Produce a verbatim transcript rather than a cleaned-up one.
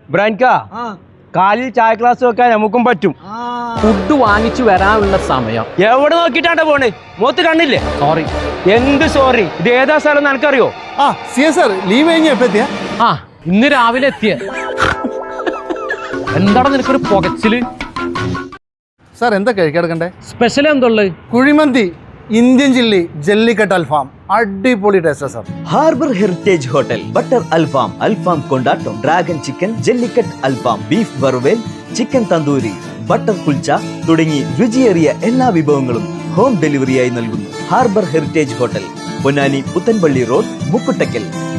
ബ്രാൻകാ കാലിൽ ചായ ക്ലാസ് വെക്കാൻ നമുക്കും പറ്റും. ഫുഡ് വാങ്ങിച്ചു വരാനുള്ള സമയം എവിടെ നോക്കിട്ടാണ് പോണ്? മൂത്ത് കണ്ണില്ലേ? സോറി. എന്ത് സോറി? ഇത് ഏതാ സ്ഥലം നിനക്കറിയോ? ആ സി സാർ ലീവ് കഴിഞ്ഞ എപ്പോ എത്തിയ? ആ ഇന്ന് രാവിലെ എത്തിയ. എന്താണ് നിനക്കൊരു പുകച്ചില്? സാർ എന്താ കഴിക്കെടുക്കണ്ടേ? സ്പെഷ്യൽ എന്തുള്ളത്? കുഴിമന്തി, ഇന്ത്യൻ ചില്ലി, ജല്ലിക്കട്ട് അൽഫാം, അടിപൊളി ടേസ്റ്റാ sir. Harbour heritage hotel butter അൽഫാം, അൽഫാം കൊണ്ടാട്ടം, ഡ്രാഗൺ ചിക്കൻ, ജല്ലിക്കട്ട് അൽഫാം, ബീഫ് വറുവേൽ, ചിക്കൻ തന്തൂരി, ബട്ടർ കുൽച്ച തുടങ്ങി രുചിയേറിയ എല്ലാ വിഭവങ്ങളും ഹോം ഡെലിവറിയായി നൽകുന്നു. Harbour heritage hotel, Ponnani Puthanpalli road, മുക്കുട്ടക്കൽ.